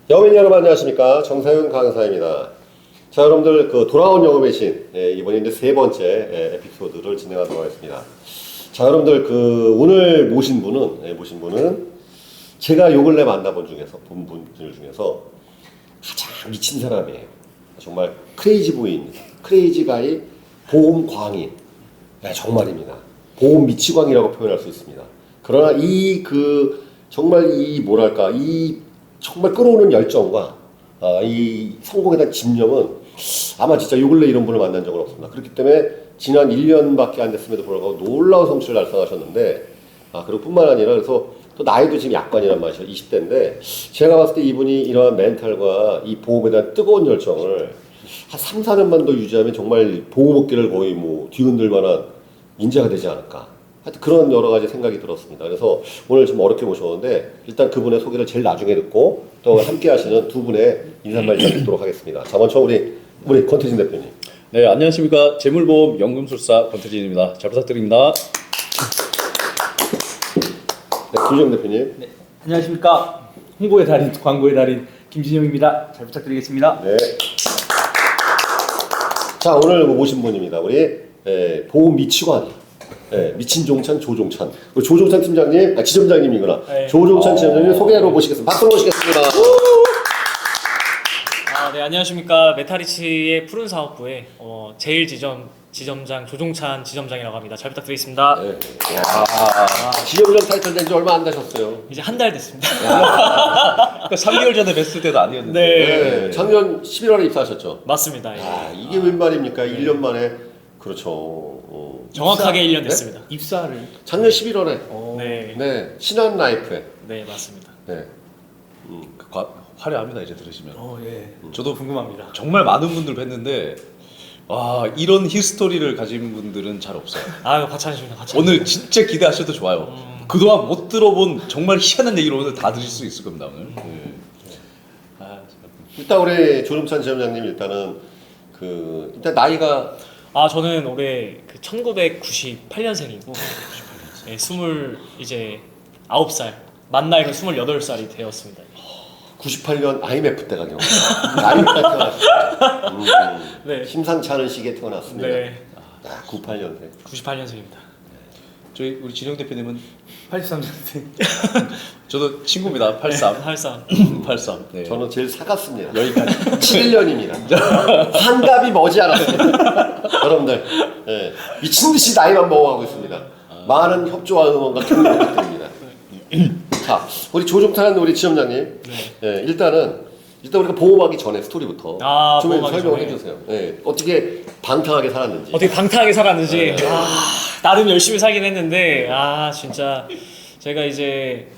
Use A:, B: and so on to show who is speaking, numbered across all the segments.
A: 영업인 여러분 안녕하십니까, 정사윤 강사입니다. 자, 여러분들 그 돌아온 영업의 신, 이번에 이제 세 번째 에피소드를 진행하도록 하겠습니다. 자, 여러분들 그 오늘 모신 분은 제가 요 근래 만나본 중에서 본 분들 중에서 가장 미친 사람이에요. 정말 크레이지 부인, 크레이지 가이, 보험 광인. 네, 정말입니다. 보험 미치광이라고 표현할 수 있습니다. 그러나 정말 정말 끌어오는 열정과 이 성공에 대한 집념은 아마 진짜 요 근래 이런 분을 만난 적은 없습니다. 그렇기 때문에 지난 1년밖에 안 됐음에도 불구하고 놀라운 성취를 달성하셨는데, 그리고 뿐만 아니라 그래서 또 나이도 지금 약관이란 말이죠. 20대인데 제가 봤을 때 이분이 이러한 멘탈과 이 보험에 대한 뜨거운 열정을 한 3, 4년만 더 유지하면 정말 보험업계를 거의 뒤흔들 만한 인재가 되지 않을까. 하여튼 그런 여러 가지 생각이 들었습니다. 그래서 오늘 좀 어렵게 모셨는데 일단 그분의 소개를 제일 나중에 듣고 또 함께 하시는 두 분의 인사 말씀 듣도록 하겠습니다. 자, 먼저 우리 권태진 대표님.
B: 네, 안녕하십니까. 재물보험 연금술사 권태진입니다. 잘 부탁드립니다.
A: 네, 김정 대표님.
C: 네, 안녕하십니까. 홍보의 달인, 광고의 달인 김진영입니다. 잘 부탁드리겠습니다.
A: 네. 자, 오늘 모신 분입니다. 우리 보험 미치광이. 미친 종찬 조종찬. 우리 조종찬 팀장님, 지점장님이구나.
C: 네.
A: 조종찬 지점장님 소개하러 모시겠습니다. 박수로 모시겠습니다.
C: 네, 안녕하십니까. 메타리치의 푸른 사업부의 제일 지점장 조종찬 지점장이라고 합니다. 잘 부탁드리겠습니다.
A: 네. 지점장 타이틀 된 지 얼마 안 되셨어요.
C: 이제 한 달 됐습니다.
B: 그러니까 3개월 전에 뵀을 때도 아니었는데.
A: 네. 작년 11월에 입사하셨죠.
C: 맞습니다. 예.
A: 이게 웬 말입니까? 1년 만에. 그렇죠.
C: 정확하게 1년 됐습니다.
D: 입사를
A: 작년 11월에.
C: 네.
A: 네. 신한 라이프에.
C: 네, 맞습니다.
A: 네.
B: 화려합니다, 이제 들으시면.
C: 예.
B: 저도
C: 궁금합니다.
B: 정말 많은 분들 뵀는데, 이런 히스토리를 가진 분들은 잘 없어요.
C: 과찬이십니다.
B: 오늘 진짜 기대하셔도 좋아요. 그동안 못 들어본 정말 희한한 얘기를 오늘 다 들으실 수 있을 겁니다, 오늘. 네.
A: 일단 우리 조종찬 지점장님 일단은 일단 나이가
C: 저는 올해 1998년생이고 네, 29살 만 나이로 28살이 되었습니다.
A: 98년 IMF 때가 IMF 때 태어났습니다.
C: 네.
A: 심상치 않은 시기에 태어났습니다.
C: 네.
A: 98년생.
C: 98년생입니다.
B: 우리 진영 대표님은
D: 83년생.
B: 저도 친구입니다. 83. 83. 네.
A: 저는 제일 사갔습니다. 여기까지 7년입니다. 환갑이 머지않았습니다. 여러분들, 미친 듯이 나이만 먹어가고 있습니다. 많은 협조와 응원과 격려 부탁드립니다. 자, 우리 조종찬 우리 지점장님. 일단 우리가 보험하기 전에 스토리부터 좀 설명을 해주세요. 어떻게 방탕하게 살았는지.
C: 나름 열심히 살긴 했는데 진짜 제가 이제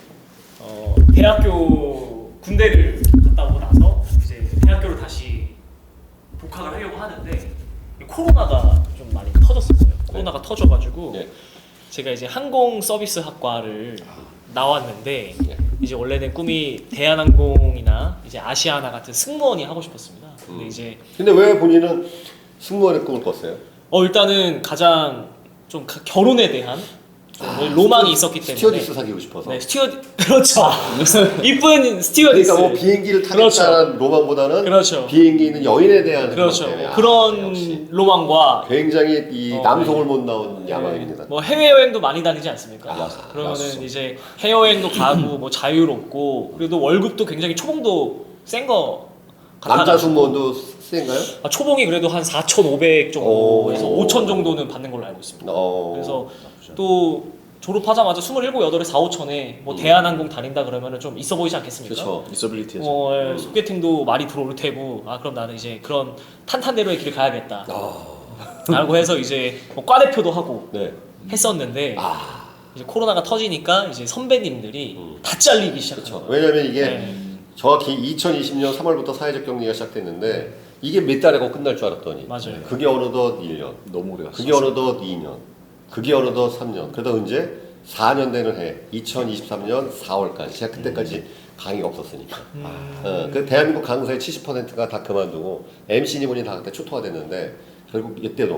C: 대학교 군대를 갔다 오고 나서 이제 대학교를 다시 복학을 하려고 하는데 코로나가 좀 많이 터졌었어요. 코로나가 터져가지고 제가 이제 항공 서비스 학과를 나왔는데 이제 원래는 꿈이 대한항공이나 이제 아시아나 같은 승무원이 하고 싶었습니다.
A: 근데 왜 본인은 승무원의 꿈을 꿨어요?
C: 일단은 가장 좀 결혼에 대한 로망이 있었기 때문에
A: 스튜어디스 사귀고 싶어서.
C: 네, 그렇죠. 이쁜 스튜어디스.
A: 그러니까 비행기를 타겠다는 로망보다는 비행기 있는 여인에 대한
C: 그런 로망과
A: 굉장히 남성을 못 나온 야망입니다.
C: 해외여행도 많이 다니지 않습니까? 그러면은 이제 해외여행도 가고 자유롭고 그래도 월급도 굉장히 초봉도 센 거
A: 남자 승무원도 센가요?
C: 초봉이 그래도 한 4,500 정도에서 5,000 정도는 받는 걸로 알고 있습니다. 그래서 또 졸업하자마자 27, 8에 4, 5천에 대한항공 다닌다 그러면은 좀 있어 보이지 않겠습니까?
A: 그렇죠.
B: 있어빌리티죠.
C: 소개팅도 많이 들어올 테고 그럼 나는 이제 그런 탄탄대로의 길을 가야겠다 라고 해서 이제 과대표도 하고 했었는데 이제 코로나가 터지니까 이제 선배님들이 다 잘리기 시작했죠.
A: 왜냐면 이게 정확히 2020년 3월부터 사회적 격리가 시작됐는데 이게 몇 달에 끝날 줄 알았더니
C: 맞아요.
A: 그게 어느덧 1년,
B: 너무 오래 갔어요.
A: 그게 어느덧 2년, 그게 어느덧 3년, 그러다 이제 4년 되는 해 2023년 4월까지 제가 그때까지 강의가 없었으니까 그 대한민국 강사의 70%가 다 그만두고 MC님분이 다 그때 초토화 됐는데 결국 이때도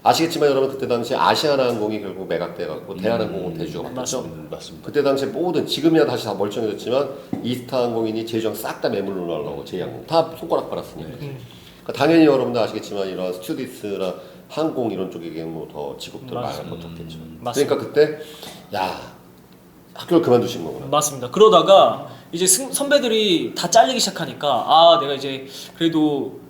A: 아시겠지만 여러분 그때 당시에 아시아나항공이 결국 매각돼갖고 대한항공은 대주주가 바뀌었죠.
B: 맞습니다.
A: 그때 당시에 모든 지금이야 다시 다 멀쩡해졌지만 이스타항공이니 제주항 싹 다 매물로 나오고 제이항공 다 손가락 빨았으니까. 그러니까 당연히 여러분들 아시겠지만 이런 스튜디스나 항공 이런 쪽에 뭐더 직업들 많이 버텼겠죠.
C: 맞습니다.
A: 그러니까 그때 야 학교를 그만두신 거구나.
C: 맞습니다. 그러다가 이제 선배들이 다 잘리기 시작하니까 아 내가 이제 그래도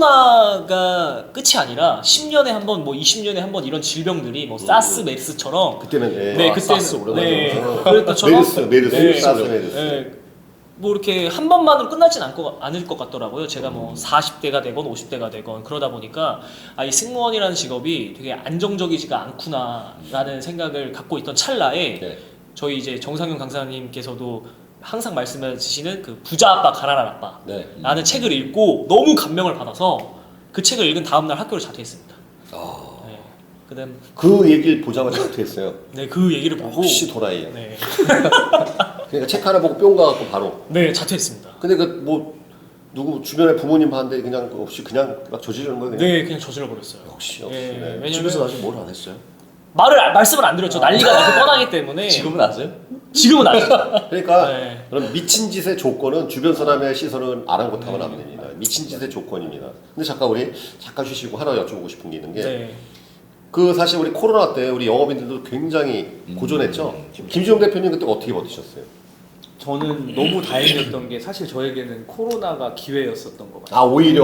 C: 코로나가 끝이 아니라 10년에 한 번, 뭐 20년에 한 번 이런 질병들이 뭐 사스, 메르스처럼
A: 그때는
C: 네, 그때는
B: 사스 오래간만에
C: 네, 그랬다처럼
A: 메르스, 사스 메르스.
C: 네, 뭐 이렇게 한 번만으로 끝나진 않을 것 같더라고요. 제가 뭐 40대가 되건 50대가 되건 그러다 보니까 아, 이 승무원이라는 직업이 되게 안정적이지가 않구나라는 생각을 갖고 있던 찰나에
A: 네.
C: 저희 이제 정상윤 강사님께서도 항상 말씀해 주시는 그 부자 아빠 가난한 아빠
A: 네.
C: 라는 책을 읽고 너무 감명을 받아서 그 책을 읽은 다음날 학교를 자퇴했습니다. 네. 그다음
A: 그 얘기를 보자마자 어떻게 했어요?
C: 네, 그 얘기를 보고
A: 혹시 도라이야.
C: 네,
A: 그러니까 책 하나 보고 뿅 가갖고 바로.
C: 네 자퇴했습니다.
A: 근데 그 뭐 누구 주변에 부모님 봤는데 그냥 없이 그냥 막 저지르는 거예요. 그냥?
C: 네, 그냥 저질러 버렸어요.
A: 역시.
C: 네,
A: 네.
C: 왜냐면
B: 집에서 아직 뭘 안 했어요?
C: 말씀을 안 드렸죠. 난리가 나고 뻔하기 때문에
B: 지금은 아세요?
C: 지금은 아니죠.
A: 그러니까
C: 네.
A: 그런 미친 짓의 조건은 주변 사람의 시선을 아랑곳하면 안 됩니다. 미친 짓의 조건입니다. 근데 잠깐 쉬시고 하나 여쭤보고 싶은 게 있는 게
C: 네.
A: 그 사실 우리 코로나 때 우리 영업인들도 굉장히 고전했죠. 김지용 대표님 그때 어떻게 버티셨어요?
D: 저는 너무 다행이었던 게 사실 저에게는 코로나가 기회였었던 것 같아요.
A: 아 오히려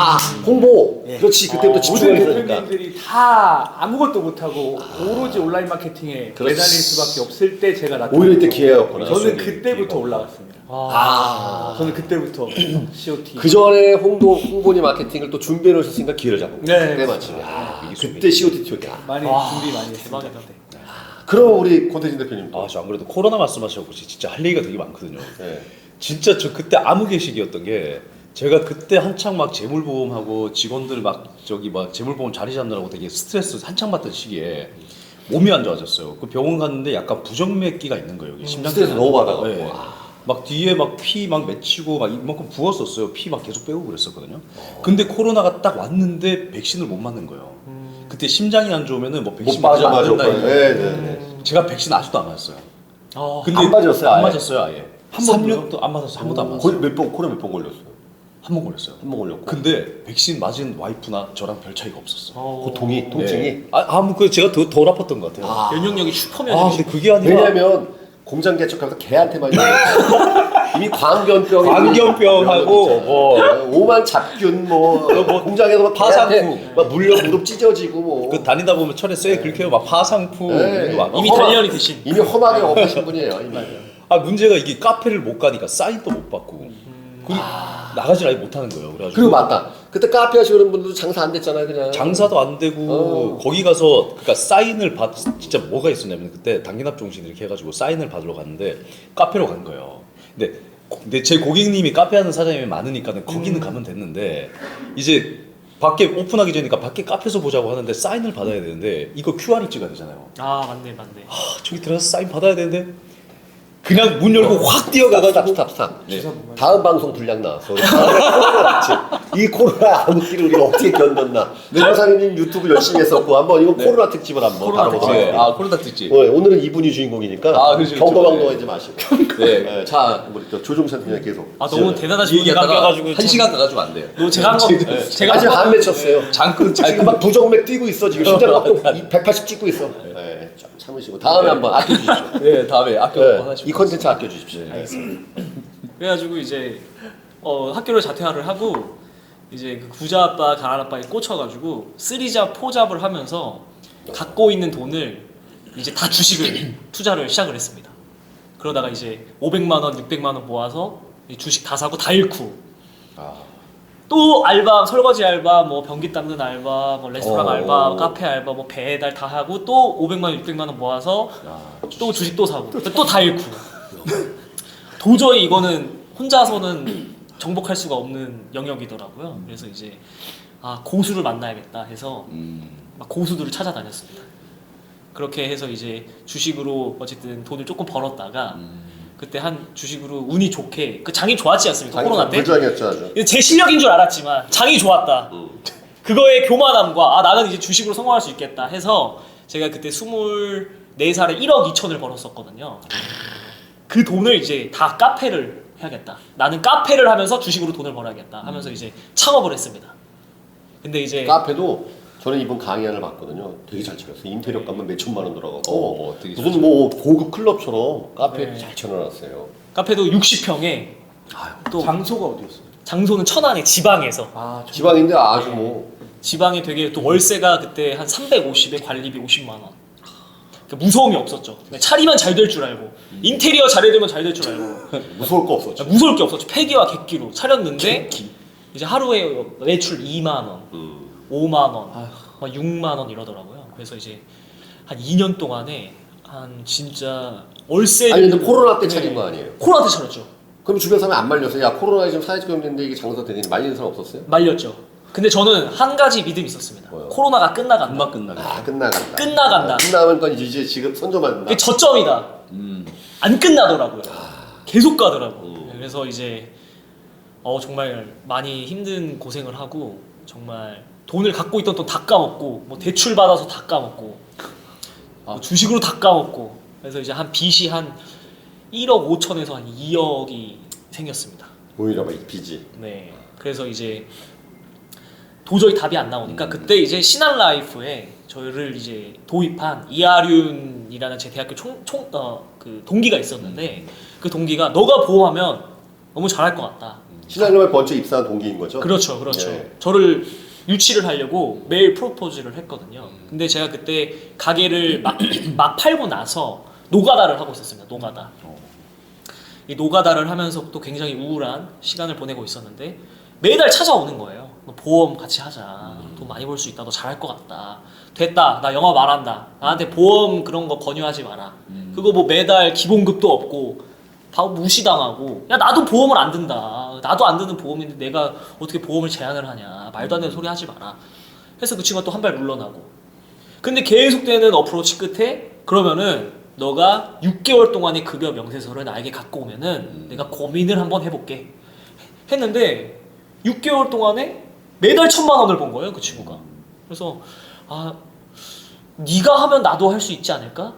A: 홍보
D: 예.
A: 그렇지 그때부터
D: 모든
A: 집중해야 되니까.
D: 대표님들이 다 아무것도 못하고 오로지 온라인 마케팅에
A: 그렇지.
D: 매달릴 수밖에 없을 때 제가 나타났고
A: 오히려 이때 기회였구나.
D: 저는 그때부터 올라갔습니다. 저는 그때부터 COT
A: 그 전에 홍보니 마케팅을 또 준비해 놓으셨으니까 기회를 잡은 거예요.
D: 네,
A: 그때 마치 그때 COT 튀었다.
D: 많이 준비 많이 했습니다.
C: 대박이다.
A: 그럼 우리 권태진 대표님.
B: 아, 저 안 그래도 코로나 말씀하셔서 진짜 할 얘기가 되게 많거든요.
A: 네.
B: 진짜 저 그때 아무개식이었던 게 제가 그때 한창 막 재물보험하고 직원들 막 저기 막 재물보험 자리 잡느라고 되게 스트레스 한창 받던 시기에 몸이 안 좋아졌어요. 그 병원 갔는데 약간 부정맥기가 있는 거예요. 여기 심장
A: 스트레스 너무 받아가지고.
B: 네. 막 뒤에 막 피 막 맺히고 막 이만큼 부었었어요. 피 막 계속 빼고 그랬었거든요. 근데 코로나가 딱 왔는데 백신을 못 맞는 거예요. 그때 심장이 안 좋으면은 뭐 백신
A: 못
B: 맞으면 안
A: 맞아.
B: 된다.
A: 네.
B: 제가 백신 아직도 안 맞았어요. 근데
A: 안 맞았어요,
B: 안
A: 아예?
B: 맞았어요, 아예. 한 3년도 안 맞았어요. 한 번도 안 맞았어요.
A: 코로나 몇 번 걸렸어요?
B: 한 번 걸렸어요.
A: 한 번 걸렸고.
B: 근데 백신 맞은 와이프나 저랑 별 차이가 없었어.
A: 고통이 통증이.
B: 네. 뭐 제가 덜 아팠던 것 같아요.
C: 면역력이 슈퍼면
B: 아, 근데 그게 아니라
A: 왜냐면 공장 개척하면서 개한테만 이미 광견병이
B: 광견병하고 뭐
A: 오만 잡균 뭐 공장에서 막
B: 파상풍.
A: 개한테 막 물려 무릎 찢어지고 뭐
B: 그 다니다 보면 철에 쇠 긁혀요. 막 파상풍
A: 네.
B: 이런 거 막.
C: 이미 단련이 되신.
A: 이미 험하게 엎으신 분이에요 이미.
B: 문제가 이게 카페를 못 가니까 사인도 못 받고 그리고 나가질 아예 못 하는 거예요. 그래가지고
A: 그리고 맞다. 그때 카페 하시는 분들도 장사 안 됐잖아요 그냥.
B: 장사도 안 되고 거기 가서 그러니까 사인을 진짜 뭐가 있었냐면 그때 당기납종신 이렇게 해가지고 사인을 받으러 갔는데 카페로 간 거예요. 근데 제 고객님이 카페 하는 사장님이 많으니까는 거기는 가면 됐는데 이제 밖에 오픈하기 전이니까 밖에 카페에서 보자고 하는데 사인을 받아야 되는데 이거 QR을 찍어야 되잖아요.
C: 아 맞네.
B: 저기 들어가서 사인 받아야 되는데 그냥 문 열고 확 뛰어가가지고
A: 스탑.
B: 네.
A: 다음 방송 분량 나왔어. 이 코로나 암흑기를 우리가 어떻게 견뎠나. 정상님 유튜브 열심히 했었고 한번 이거 코로나 특집을 한번
C: 코로나
A: 다뤄보도록
C: 특집.
A: 하겠습니다.
B: 코로나 특집.
A: 오늘은 이분이 주인공이니까
B: 그렇죠,
A: 경거방동하지 마시고.
B: 네.
A: 네, 자 우리 또 조종찬 팀장 계속.
C: 너무 대단하신 분이 깎여가지고
B: 한 시간 가가지고 안 돼요.
C: 제가 한 거 제가
A: 아직
C: 한
A: 안 맺혔어요.
B: 지금
A: 막 부정맥 뛰고 있어 지금 심장 막또 180 찍고 있어. 네, 좀 참으시고 다음에 한번 아껴주십시오.
B: 네, 다음에 아껴
A: 네,
B: 하나씩.
A: 이 컨텐츠 아껴주십시오.
C: 그래가지고 이제 학교를 자퇴를 하고 이제 그 부자 아빠 가난 아빠에 꽂혀가지고 3잡 4잡을 하면서 갖고 있는 돈을 이제 다 주식을 투자를 시작을 했습니다. 그러다가 이제 500만 원, 600만 원 모아서 이 주식 다 사고 다 잃고 또 알바, 설거지 알바, 뭐 변기 닦는 알바, 뭐 레스토랑 알바, 카페 알바, 뭐 배달 다 하고 또 500만 원, 600만 원 모아서 또 주식 또 사고 또 다 잃고 도저히 이거는 혼자서는 정복할 수가 없는 영역이더라고요. 그래서 이제 고수를 만나야겠다 해서 막 고수들을 찾아다녔습니다. 그렇게 해서 이제 주식으로 어쨌든 돈을 조금 벌었다가 그때 한 주식으로 운이 좋게 그 장이 좋았지 않습니까? 코로나 때.
A: 불장이었죠 아주.
C: 제 실력인 줄 알았지만 장이 좋았다. 그거의 교만함과 아 나는 이제 주식으로 성공할 수 있겠다 해서 제가 그때 24살에 1억 2천을 벌었었거든요. 그 돈을 이제 다 카페를 해야겠다. 나는 카페를 하면서 주식으로 돈을 벌어야겠다 하면서 이제 창업을 했습니다. 근데 이제
A: 카페도 저는 이번 강의 하나를 봤거든요. 되게 잘 차렸어요. 인테리어 값만 몇 천만 원 들어가고
B: 되게
A: 무슨 뭐 고급 클럽처럼 카페
C: 네.
A: 잘 쳐놔놨어요.
C: 카페도 60평에 또
D: 장소가 어디였어요?
C: 장소는 천안의 지방에서
D: 아,
A: 지방인데 아주 뭐
C: 지방에 되게 또 월세가 그때 한 350에 관리비 50만 원. 그러니까 무서움이 없었죠. 차리면 잘 될 줄 알고 인테리어 잘해두면 잘 될 줄 알고
A: 무서울 거 없었죠.
C: 무서울 게 없었죠. 폐기와 객기로 차렸는데 이제 하루에 매출 2만 원, 5만 원, 막 6만 원 이러더라고요. 그래서 이제 한 2년 동안에 한 진짜 월세
A: 아니 근데 코로나 때 차린 거 아니에요?
C: 코로나 때 차렸죠.
A: 그럼 주변 사람이 안 말렸어요? 야 코로나에 지금 사회적 경제인데 이게 장사 되니 말리는 사람 없었어요?
C: 말렸죠. 근데 저는 한 가지 믿음이 있었습니다.
A: 뭐요?
C: 코로나가 끝나간다.
B: 금방 끝나게.
A: 아 끝나간다.
C: 끝나간다.
A: 끝나면 건 이제 지금 선점한다.
C: 그게 저점이다. 안 끝나더라고요. 계속 가더라고. 그래서 이제 정말 많이 힘든 고생을 하고 정말 돈을 갖고 있던 돈 다 까먹고 뭐 대출 받아서 다 까먹고 뭐 주식으로 다 까먹고 그래서 이제 한 빚이 한 1억 5천에서 한 2억이 생겼습니다.
A: 오히려 막 빚이.
C: 네. 그래서 이제 도저히 답이 안 나오니까 그때 이제 신한라이프에 저를 이제 도입한 이하륜이라는 제 대학교 그 동기가 있었는데 그 동기가 너가 보험하면 너무 잘할 것 같다.
A: 신한금에 번째 입사한 동기인 거죠?
C: 그렇죠, 그렇죠.
A: 예.
C: 저를 유치를 하려고 매일 프로포즈를 했거든요. 근데 제가 그때 가게를 막 팔고 나서 노가다를 하고 있었습니다. 노가다. 이 노가다를 하면서 또 굉장히 우울한 시간을 보내고 있었는데 매달 찾아오는 거예요. 너 보험 같이 하자. 돈 많이 벌 수 있다. 너 잘할 것 같다. 됐다. 나 영업 안 한다. 나한테 보험 그런 거 권유하지 마라. 그거 뭐 매달 기본급도 없고 다 무시당하고 야 나도 보험을 안 든다. 나도 안 드는 보험인데 내가 어떻게 보험을 제한을 하냐. 말도 안 되는 소리 하지 마라. 해서 그 친구가 또 한 발 물러나고. 근데 계속되는 어프로치 끝에 그러면은 너가 6개월 동안의 급여 명세서를 나에게 갖고 오면은 내가 고민을 한번 해볼게. 했는데 6개월 동안에 매달 1,000만 원을 번 거예요, 그 친구가. 그래서 네가 하면 나도 할 수 있지 않을까?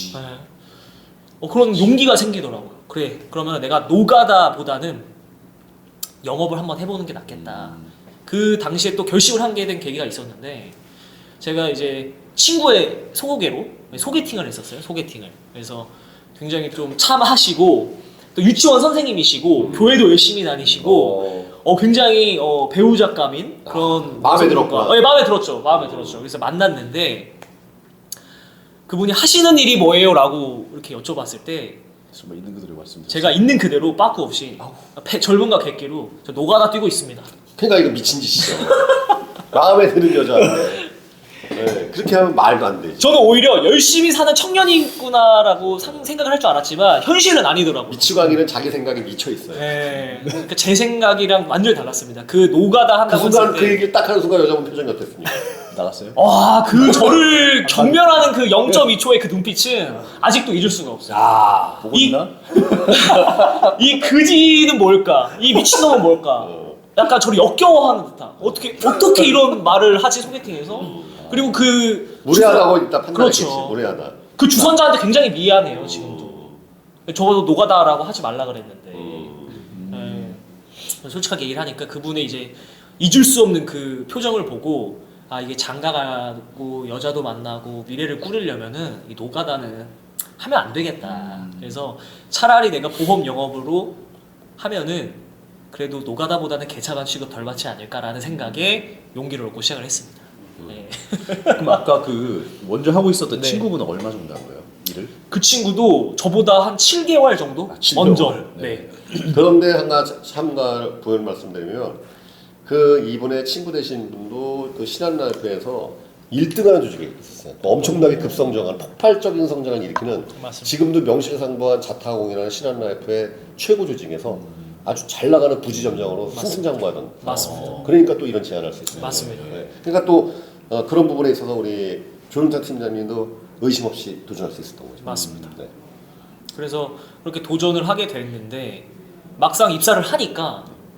C: 네. 그런 용기가 생기더라고요. 그래, 그러면 내가 노가다보다는 영업을 한번 해보는 게 낫겠다. 그 당시에 또 결심을 하게 된 계기가 있었는데 제가 이제 친구의 소개팅을 했었어요. 소개팅을. 그래서 굉장히 좀 참하시고 또 유치원 선생님이시고 교회도 열심히 다니시고 굉장히 배우작감인 그런
A: 마음에 들었구나.
C: 네, 마음에 들었죠. 마음에 들었죠. 그래서 만났는데 그분이 하시는 일이 뭐예요? 라고 이렇게 여쭤봤을 때
B: 정말 있는 그대로 말씀드렸어요.
C: 제가 있는 그대로 빠꾸 없이 젊음과 객기로 저 노가다 뛰고 있습니다.
A: 그러니까 이거 미친 짓이죠. 마음에 드는 여자한테 네, 그렇게 하면 말도 안 되지.
C: 저는 오히려 열심히 사는 청년이구나라고 생각을 할 줄 알았지만 현실은 아니더라고요.
A: 미치광이는 자기 생각에 미쳐 있어요.
C: 네. 그러니까 제 생각이랑 완전히 달랐습니다. 그 노가다
A: 그
C: 한다고
A: 순간
C: 했을
A: 그
C: 때
A: 얘기를 딱 하는 순간 여자분 표정이 어땠습니까?
B: 나갔어요?
C: 와, 그 저를 경멸하는 그 0.2초의 그 눈빛은 아직도 잊을 수가 없어요.
A: 야,
B: 보고
C: 이-
B: 있나?
C: 이 그지는 뭘까? 이 미친놈은 뭘까? 약간 저를 역겨워하는 듯한. 어떻게 이런 말을 하지 소개팅에서? 그리고 그
A: 무례하다고 일단 판단했겠지.
C: 그렇죠.
A: 무례하다.
C: 그 주선자한테 굉장히 미안해요 지금도. 적어도 노가다라고 하지 말라 그랬는데. 네. 솔직하게 얘기를 하니까 그분의 이제 잊을 수 없는 그 표정을 보고 이게 장가가고 여자도 만나고 미래를 꾸리려면은 이 노가다는 하면 안 되겠다. 그래서 차라리 내가 보험 영업으로 하면은 그래도 노가다보다는 개차반 취급 덜 받지 않을까라는 생각에 용기를 얻고 시작을 했습니다. 네.
B: 그럼 아까 그 먼저 하고 있었던
C: 네.
B: 친구분은 얼마 정도 한 거예요? 일을?
C: 그 친구도 저보다 한 7개월 정도
B: 7개월.
C: 먼저.
B: 네.
C: 네.
A: 그런데 하나 참가 부연 말씀드리면 그 이분의 친구 되신 분도 그 신한라이프에서 1등하는 조직이 있었어요. 엄청나게 급성장한 폭발적인 성장을 일으키는
C: 맞습니다.
A: 지금도 명실상부한 자타공이라는 신한라이프의 최고 조직에서 아주 잘 나가는 부지점장으로 승승장구하던.
C: 맞습니다.
A: 그러니까 또 이런 제안을 할 수 있어요.
C: 맞습니다.
A: 네. 그러니까 또 그런 부분에 있어서 우리 조윤탁 팀장님도 의심 없이 도전할 수 있었던 거죠.
C: 맞습니다.
A: 네.
C: 그래서 그렇게 도전을 하게 됐는데 막상 입사를 하니까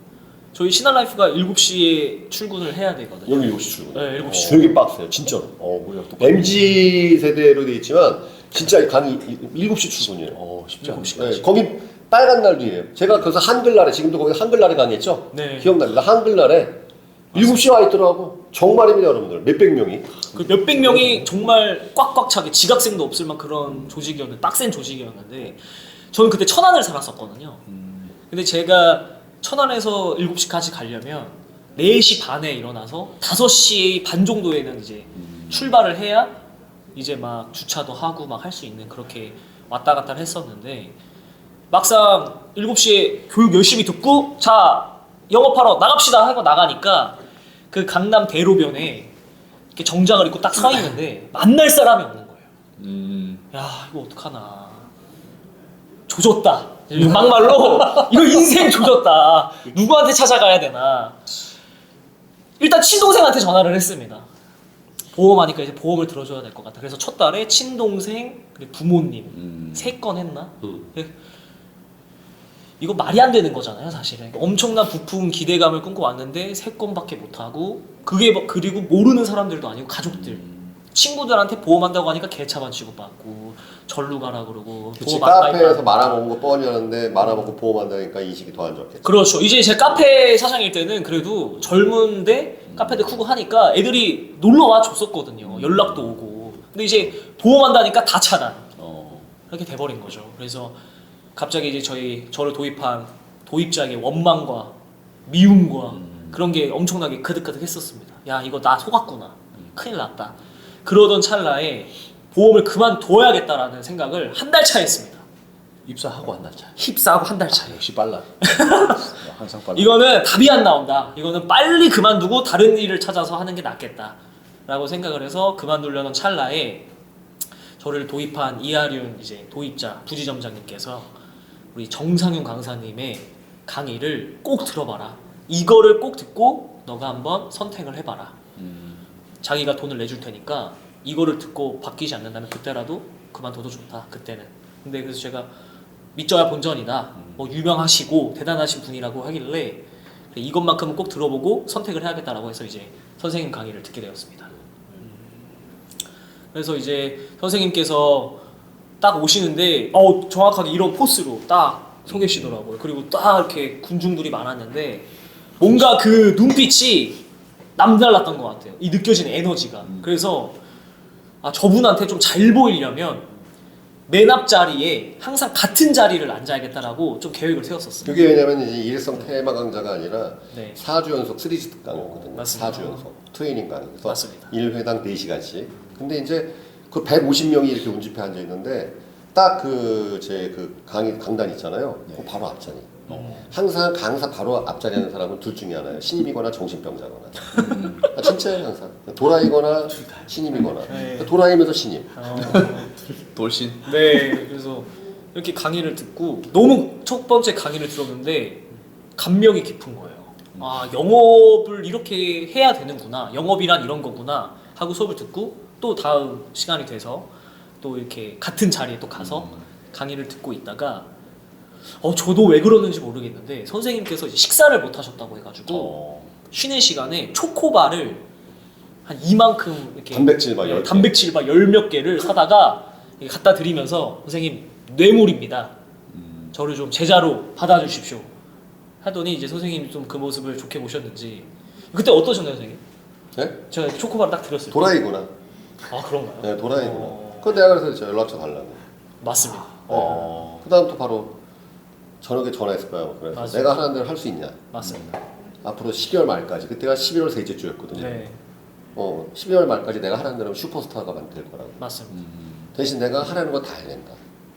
C: 저희 신한라이프가 7시에 출근을 해야 되거든요.
A: 여기 7시 출근.
C: 네, 7시.
A: 되게 빡세요, 진짜로.
B: 뭐야 또
A: MZ 세대로 돼 있지만 진짜 강의 7시 출근이에요.
B: 쉽지 않네.
C: 7시까지.
A: 네, 거기 빨간 날이에요. 제가 그래서 한글날에 지금도 거기 한글날에 강의했죠?
C: 네.
A: 기억납니다. 한글날에 7시에 와 있더라고. 정말입니다, 여러분들. 몇백 명이.
C: 그 몇백 명이 정말 꽉꽉 차게 지각생도 없을 만한 그런 조직이었는데 빡센 조직이었는데 저는 그때 천안을 살았었거든요. 근데 제가 천안에서 7시까지 가려면 4시 반에 일어나서 5시 반 정도에는 이제 출발을 해야 이제 막 주차도 하고 막 할 수 있는 그렇게 왔다 갔다 했었는데 막상 7시에 교육 열심히 듣고 자 영업하러 나갑시다 하고 나가니까 그 강남 대로변에 이렇게 정장을 입고 딱 서 있는데 만날 사람이 없는 거예요. 야 이거 어떡하나 조졌다 막말로 이거 인생 조졌다 누구한테 찾아가야 되나 일단 친동생한테 전화를 했습니다. 보험하니까 이제 보험을 들어줘야 될 것 같다. 그래서 첫 달에 친동생 그리고 부모님 3건 했나? 이거 말이 안 되는 거잖아요, 사실은. 엄청난 부품 기대감을 끊고 왔는데 3건밖에 못 하고 그게 그리고 모르는 사람들도 아니고 가족들, 친구들한테 보험한다고 하니까 개차만 취급받고 절로 가라 그러고.
A: 그치,
C: 보험 안
A: 카페에서
C: 가입하고.
A: 말아먹은 거 뻔히 하는데 말아먹고 보험한다니까 인식이 더 안 좋겠죠.
C: 그렇죠. 이제 제 카페 사장일 때는 그래도 젊은데 카페도 크고 하니까 애들이 놀러 와 줬었거든요. 연락도 오고. 근데 이제 보험한다니까 다 차단. 이렇게 돼버린 거죠. 그래서 갑자기 이제 저를 도입한 도입자에게 원망과 미움과 그런 게 엄청나게 그득그득 했었습니다. 야 이거 나 속았구나. 큰일 났다. 그러던 찰나에 보험을 그만둬야겠다라는 생각을 한 달 차에 했습니다.
B: 입사하고 한 달 차.
C: 힙사하고 한 달 차에.
B: 역시 빨라. 항상 빨라.
C: 이거는 답이 안 나온다. 이거는 빨리 그만두고 다른 일을 찾아서 하는 게 낫겠다라고 생각을 해서 그만두려는 찰나에 저를 도입한 이하륜 이제 도입자 부지점장님께서 우리 정상윤 강사님의 강의를 꼭 들어봐라. 이거를 꼭 듣고 너가 한번 선택을 해봐라. 자기가 돈을 내줄 테니까 이거를 듣고 바뀌지 않는다면 그때라도 그만둬도 좋다. 그때는. 근데 그래서 제가 믿져야 본전이다. 뭐 유명하시고 대단하신 분이라고 하길래 이것만큼은 꼭 들어보고 선택을 해야겠다라고 해서 이제 선생님 강의를 듣게 되었습니다. 그래서 이제 선생님께서 딱 오시는데 정확하게 이런 포스로 딱 서 계시더라고요. 그리고 딱 이렇게 군중들이 많았는데 뭔가 그 눈빛이 남달랐던 것 같아요. 이 느껴지는 에너지가. 그래서 저분한테 좀 잘 보이려면 맨 앞자리에 항상 같은 자리를 앉아야겠다라고 좀 계획을 세웠었어요.
A: 그게 왜냐면 이제 일회성 테마 강좌가 아니라
C: 네.
A: 4주 연속 3지 강의거든요.
C: 맞습니다.
A: 4주 연속 트레이닝 강의. 그래서
C: 맞습니다.
A: 1회당 4시간씩. 근데 이제 그 150명이 이렇게 운집해 앉아 있는데 딱 제 강단 있잖아요. 그 바로 앞자리. 항상 강사 바로 앞자리 하는 사람은 둘 중에 하나예요. 신임이거나 정신병자거나. 진짜예요, 항상. 도라이거나 신임이거나.
C: 네.
A: 도라이면서 신임.
B: 돌신.
C: 네, 그래서 이렇게 강의를 듣고 너무 첫 번째 강의를 들었는데 감명이 깊은 거예요. 영업을 이렇게 해야 되는구나. 영업이란 이런 거구나 하고 수업을 듣고 또 다음 시간이 돼서 또 이렇게 같은 자리에 또 가서 강의를 듣고 있다가 저도 왜 그러는지 모르겠는데 선생님께서 이제 식사를 못 하셨다고 해가지고 쉬는 시간에 초코바를 한 이만큼 이렇게
A: 단백질 막 10개.
C: 단백질 막 10몇 개를 사다가 이렇게 갖다 드리면서 선생님 뇌물입니다. 저를 좀 제자로 받아주십시오. 하더니 이제 선생님이 좀 그 모습을 좋게 보셨는지 그때 어떠셨나요, 선생님?
A: 네?
C: 제가 초코바를 딱 드렸을 때
A: 도라이구나.
C: 그런가요?
A: 네, 도라이구나. 그건 내가 그래서 저 연락처 달라고.
C: 맞습니다.
A: 그 다음 또 바로 저녁에 전화했을 거야. 그래서
C: 맞습니다.
A: 내가 하라는 대로 할 수 있냐.
C: 맞습니다.
A: 앞으로 12월 말까지. 그때가 11월 셋째 주였거든요.
C: 네,
A: 12월 말까지 내가 하라는 대로 슈퍼스타가 될 거라고.
C: 맞습니다.
A: 대신 내가 하라는 거 다 해낸다.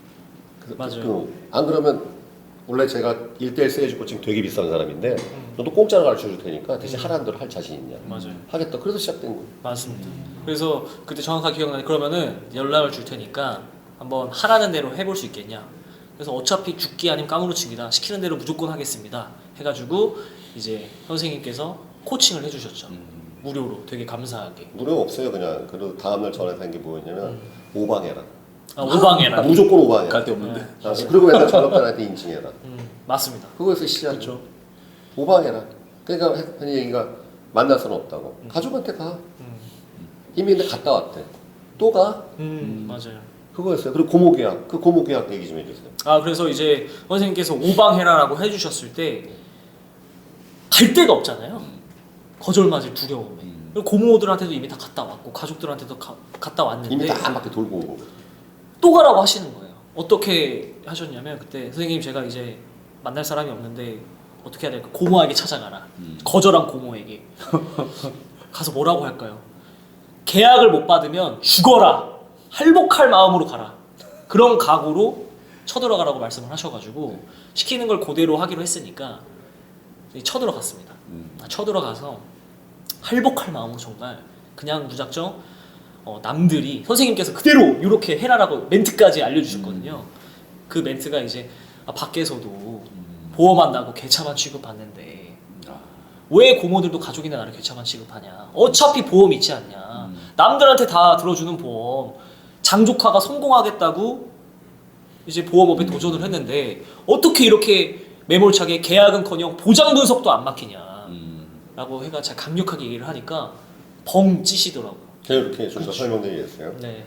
C: 맞아요.
A: 안 그러면 원래 제가 1대1 세일즈 코칭 되게 비싼 사람인데 너도 공짜로 가르쳐 줄 테니까 대신 하라는 대로 할 자신 있냐.
C: 맞아요.
A: 하겠다. 그래서 시작된 거예요.
C: 맞습니다. 그래서 그때 정확하게 기억나요. 그러면은 연락을 줄 테니까 한번 하라는 대로 해볼 수 있겠냐. 그래서 어차피 죽기 아니면 까무러치기다. 시키는 대로 무조건 하겠습니다. 해가지고 이제 선생님께서 코칭을 해주셨죠. 무료로 되게 감사하게.
A: 무료 없어요. 그냥. 그리고 다음날 전화해서 한 게 뭐였냐면 오방해라.
C: 오방해라.
A: 무조건 오방해라.
B: 갈 데 없는데.
C: 네.
A: 그리고 맨날 전업자한테 인증해라.
C: 맞습니다.
A: 그거에서 시작.
C: 그렇죠.
A: 오방해라. 그러니까 흔히 얘기가 만날 수는 없다고. 가족한테 가. 이미 근데 갔다 왔대. 또 가?
C: 맞아요.
A: 그거였어요. 그리고 고모 계약. 그 고모 계약 얘기 좀 해주세요.
C: 아 그래서 이제 선생님께서 오방해라라고 해주셨을 때 갈 데가 없잖아요. 거절 맞을 두려움에. 그리고 고모들한테도 이미 다 갔다 왔고 가족들한테도 갔다 왔는데
A: 이미 다 한 바퀴 돌고 온 거고.
C: 또 가라고 하시는 거예요. 어떻게 하셨냐면 그때 선생님 제가 이제 만날 사람이 없는데 어떻게 해야 될까? 고모에게 찾아가라. 거절한 고모에게 가서 뭐라고 할까요? 계약을 못 받으면 죽어라. 할복할 마음으로 가라. 그런 각오로 쳐들어가라고 말씀을 하셔가지고 시키는 걸 그대로 하기로 했으니까 쳐들어갔습니다. 쳐들어가서 할복할 마음으로 정말 그냥 무작정 남들이 선생님께서 그대로 이렇게 해라라고 멘트까지 알려주셨거든요. 그 멘트가 이제 밖에서도 보험한다고 개차만 취급받는데 왜 고모들도 가족이나 나를 개차만 취급하냐. 어차피 보험 있지 않냐. 남들한테 다 들어주는 보험. 장조카가 성공하겠다고 이제 보험업에 도전을 했는데 어떻게 이렇게 매몰차게 계약은커녕 보장 분석도 안 막히냐 라고 해가 제가 강력하게 얘기를 하니까 벙 찌시더라고요.
A: 제가 이렇게 좀 더 설명드리겠어요.
C: 네.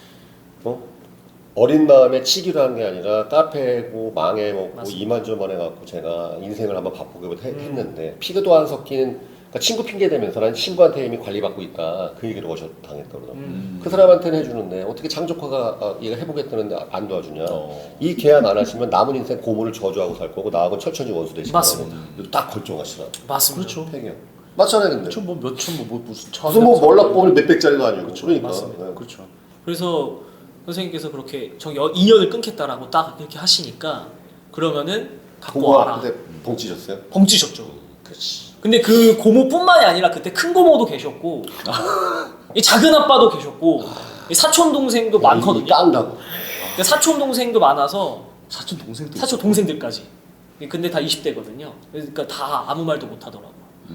A: 어린 마음에 치기로 한 게 아니라 카페고 망해먹고
C: 맞습니다.
A: 이만저만 해갖고 제가 인생을 한번 바꾸기로 했는데 피그도 안 섞인 그러니까 친구 핑계 대면서 난 친구한테 이미 관리받고 있다 그 얘기를 당했더라고요. 그 사람한테는 해주는데 어떻게 장조카가 얘가 해보겠다는데 안 도와주냐. 이 계약 안 하시면 남은 인생 고모를 저주하고 살 거고 나하고 철천지 원수 되시고
C: 맞습니다.
A: 딱 걸정하시라.
C: 맞습니다.
B: 그렇죠.
A: 폐기요. 맞잖아요 근데.
B: 그렇죠. 뭐 몇천 뭐 무슨
A: 무슨 뭐 몰락보면 몇백짜리도 아니고 그러니까.
C: 맞습니다.
A: 네.
B: 그렇죠.
C: 그래서 선생님께서 그렇게 저 인연을 끊겠다라고 딱 이렇게 하시니까 그러면은 갖고
A: 고모
C: 와라.
A: 앞에 봉치셨어요?
C: 벙찌셨죠.
A: 그렇지.
C: 근데 그 고모뿐만이 아니라 그때 큰 고모도 계셨고 이 작은 아빠도 계셨고 이 사촌 동생도 많거든요.
A: 딴다고.
C: 근데 사촌 동생도 많아서
B: 사촌 동생도
C: 사촌 동생들까지. 근데 다 20대거든요. 그러니까 다 아무 말도 못 하더라고요.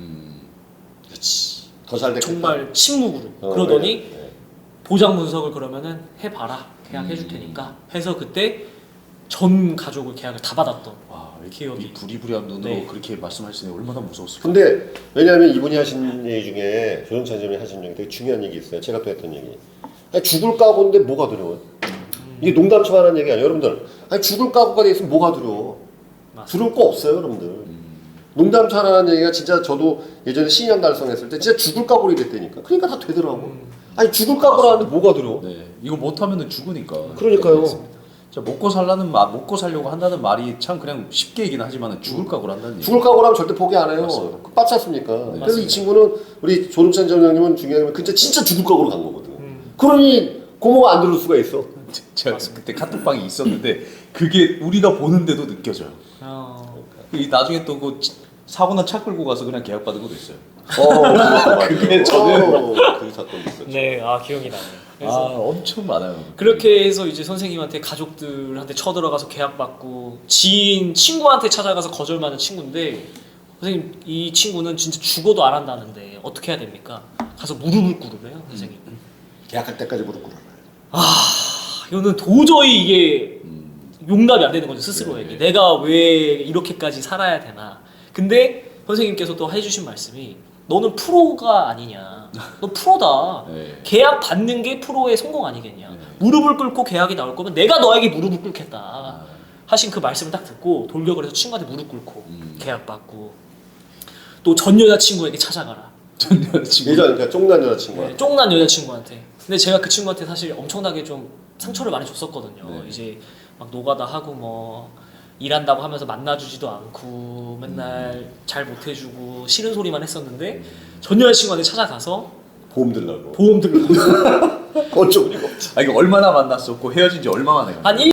A: 그렇지. 더 잘 됐겠다.
C: 정말 침묵으로. 그러더니
A: 네.
C: 보장 분석을 그러면은 해봐라. 계약해 줄 테니까 해서 그때 전 가족을 계약을 다 받았던
B: 와,
C: 기억이.
B: 이 부리부리한 눈으로
C: 네.
B: 그렇게 말씀하시니 얼마나 무서웠을까.
A: 근데 왜냐하면 이분이 하신 얘기 중에 조정찬 선생님이 하신 얘기 되게 중요한 얘기 있어요. 제가 또 했던 얘기. 아니, 죽을 각오인데 뭐가 두려워요? 이게 농담처럼 하는 얘기 아니에요. 여러분들. 아니, 죽을 각오가 돼 있으면 뭐가 두려워?
C: 맞습니다.
A: 두려울 거 없어요, 여러분들. 농담처럼 하는 얘기가 진짜 저도 예전에 신년 달성했을 때 진짜 죽을 각오로 됐다니까. 그러니까 다 되더라고. 아니 죽을 각오라는데 뭐가 두려워?
B: 네, 이거 못하면은 죽으니까.
A: 그러니까요.
B: 자, 먹고 살려고 한다는 말이 참 그냥 쉽게 얘기는 하지만은 죽을 각오를 한다는 얘기.
A: 죽을 각오라면 절대 포기 안 해요.
B: 맞습니다.
A: 그 빠지 않습니까? 그래서
C: 맞습니다.
A: 이 친구는 우리 조름찬 전장님은 중요한 게 진짜 죽을 각오로 간 거거든. 그러니 고모가 안 들을 수가 있어.
B: 제가 그때 카톡방이 있었는데 그게 우리가 보는데도 느껴져요. 이 나중에 또 그 사고나 차 끌고 가서 그냥 계약 받은 것도 있어요.
A: 그게
B: 저는-
A: 그 사건이 있었죠.
C: 네, 기억이 나네요.
B: 아,
C: 그래서
B: 엄청 많아요.
C: 그렇게 해서 이제 선생님한테 가족들한테 쳐들어가서 계약 받고 지인 친구한테 찾아가서 거절받는 친구인데 선생님 이 친구는 진짜 죽어도 안 한다는데 어떻게 해야 됩니까? 가서 무릎을 꿇으래요 선생님.
A: 계약할 때까지 무릎 꿇어라.
C: 이거는 도저히 이게 용납이 안 되는 거죠 스스로에게. 내가 왜 이렇게까지 살아야 되나. 근데 선생님께서 또 해주신 말씀이 너는 프로가 아니냐. 너 프로다.
B: 네.
C: 계약 받는 게 프로의 성공 아니겠냐.
B: 네.
C: 무릎을 꿇고 계약이 나올 거면 내가 너에게 무릎을 꿇겠다. 하신 그 말씀을 딱 듣고 돌격을 해서 친구한테 무릎 꿇고 계약 받고 또 전 여자친구에게 찾아가라.
B: 전 여자친구.
A: 예전 그러니까 쫑난 여자친구가.
C: 네, 쫑난 여자친구한테. 근데 제가 그 친구한테 사실 엄청나게 좀 상처를 많이 줬었거든요.
B: 네.
C: 이제 막 노가다 하고 뭐 일한다고 하면서 만나주지도 않고 맨날 잘 못해주고 싫은 소리만 했었는데 전 여자친구한테 찾아가서
A: 보험 들라고.
C: 보험 들고
A: 어쩌고 이거 없지.
B: 아, 이거 얼마나 만났었고 헤어진 지 얼마 만에
C: 한